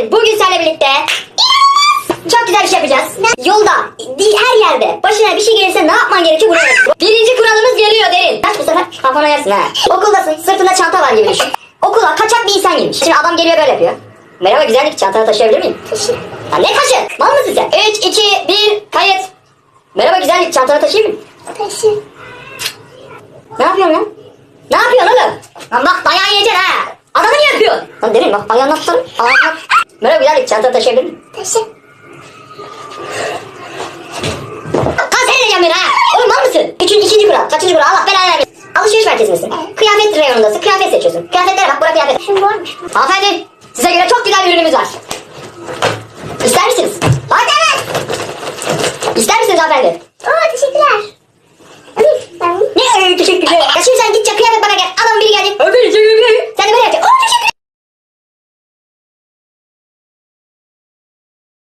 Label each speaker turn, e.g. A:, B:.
A: derin. Bugün seninle birlikte çok güzel bir şey yapacağız. Yolda, her yerde başına bir şey gelirse ne yapman gerekiyor bunu öğret. Birinci kuralımız geliyor derin. Kaç bu sefer kafana yersin ha. Okuldasın, sırtında çanta var gibi düşün. Okula kaçak bir insan girmiş. Şimdi adam geliyor böyle yapıyor. Merhaba güzellik, çantanı taşıyabilir miyim? Taşı. Ya ne taşı? Mal mısın sen? 3, 2, 1, kayıt. Merhaba güzellik, çantanı taşıyayım mı?
B: Taşı.
A: Ne yapıyorsun lan? Ne yapıyorsun oğlum? Lan bak dayağı yiyeceksin ha. Adamı niye yapıyorsun? Lan derin bak ayağını tutarım. Merhaba güzellik, çantanı taşıyabilir miyim?
B: Taşı.
A: Kan sen edeceğim beni ha. Oğlum mal mısın? İkinci kural. Kaçıncı kural? Allah belanı vermesin. Alışveriş merkezindesin. Kıyafet reyonundasın. Kıyafet seçiyorsun. Kıyafetlere bak. Bura kıyafet.
B: Şimdi varmış.
A: Hanımefendi. Size göre çok güzel bir ürünümüz var. İster misiniz? Hadi evet. İster misiniz hanımefendi?
B: Oo teşekkürler.
A: Ne teşekkürler. Ya şimdi sen gideceksin kıyafet bana gel. Adamın biri geldi. Sen de böyle yapacaksın.